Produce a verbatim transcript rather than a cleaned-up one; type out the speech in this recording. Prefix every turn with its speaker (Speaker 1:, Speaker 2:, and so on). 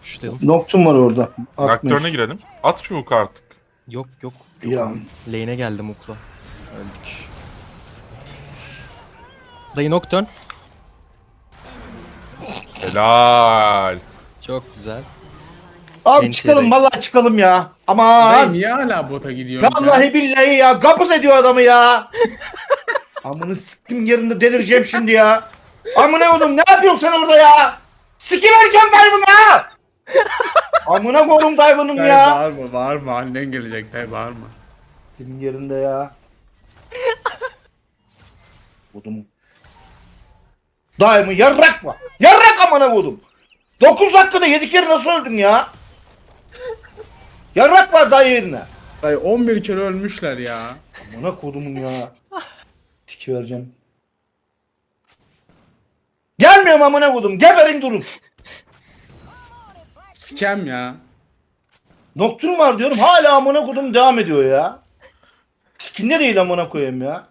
Speaker 1: Puşlayalım.
Speaker 2: Noctum var orada.
Speaker 3: Nocturne'a
Speaker 2: Atmayız.
Speaker 3: girelim. At şu hook'u artık.
Speaker 1: Yok yok.
Speaker 2: Ya.
Speaker 1: Lane'e geldim okla. Öldük. Dayı Nocturne.
Speaker 3: Helal.
Speaker 1: Çok güzel.
Speaker 2: Abi
Speaker 1: N T R.
Speaker 2: çıkalım vallahi çıkalım ya.
Speaker 4: Dayı
Speaker 2: Aman.
Speaker 4: niye hala bota gidiyorsun
Speaker 2: Vallahi billahi ya. Gapız ediyor adamı ya. Amını siktim yerinde delireceğim şimdi ya. Amına oğlum ne yapıyorsun sen orada ya? Sikivereceğim dayımı ya. Amına koydum dayımın
Speaker 4: Dayı
Speaker 2: ya.
Speaker 4: bağırma bağırma, annen gelecek dayı bağırma.
Speaker 2: Senin yerinde ya. Kodumu. Dayımı yarrak mı? Yarrak amına koydum. dokuz dakikada yedi kere nasıl öldün ya? Yarrak var dayı yerine.
Speaker 4: Dayı on bir kere ölmüşler ya.
Speaker 2: Amına kodumun ya. Siki vereceğim. Gelmiyorum amına kodum. Geberin durun.
Speaker 4: Sikem ya.
Speaker 2: Nocturne var diyorum. Hala amına kodum devam ediyor ya. Sikinde değil amına koyayım ya.